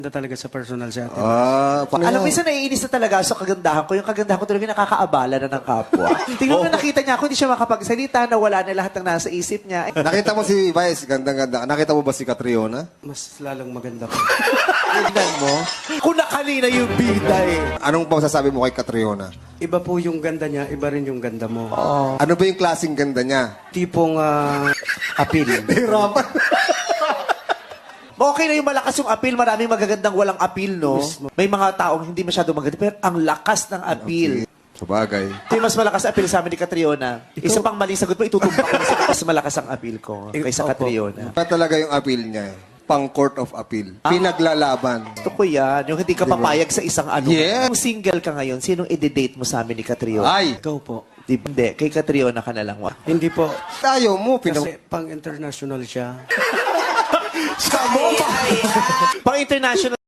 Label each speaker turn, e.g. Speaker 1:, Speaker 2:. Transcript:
Speaker 1: talaga sa personal sa atin.
Speaker 2: Alam mo, minsan naiinis na talaga sa kagandahan ko. Yung kagandahan ko talaga nakakaabala na ng kapwa. Tingnan mo, nakita niya ako, hindi siya makapagsalita, nawala na lahat ng nasa isip niya.
Speaker 3: Nakita mo si Vice, gandang-ganda. Nakita mo ba si Catriona?
Speaker 1: Mas lalong maganda po.
Speaker 2: Tingnan mo, kung nakalina yung bida eh.
Speaker 3: Anong masasabi mo kay Catriona?
Speaker 1: Iba po yung ganda niya, iba rin yung ganda mo.
Speaker 3: Ano ba yung klaseng ganda niya?
Speaker 1: Tipong appeal.
Speaker 3: Hirapan.
Speaker 2: Okay na yung malakas yung appeal, maraming magagandang walang appeal, no? May mga taong hindi masyado maganda, pero ang lakas ng appeal.
Speaker 3: Sabagay.
Speaker 2: Ito yung mas malakas appeal sa amin ni Catriona. Isa pang mali sagot mo, itutumba ko na mas malakas ang appeal ko kaysa
Speaker 1: Opo.
Speaker 2: Catriona.
Speaker 3: Pa talaga yung appeal niya. Pang court of appeal. Pinaglalaban.
Speaker 2: Gusto ko yan. Yung hindi ka papayag sa isang ano.
Speaker 3: Yeah.
Speaker 2: Kung single ka ngayon, sinong i-date mo sa amin ni Catriona?
Speaker 3: Ay!
Speaker 1: Ikaw po.
Speaker 2: Hindi, kay Catriona ka na lang.
Speaker 1: Hindi po.
Speaker 3: Tayo mo.
Speaker 1: Kasi pang-international siya.
Speaker 2: Pang international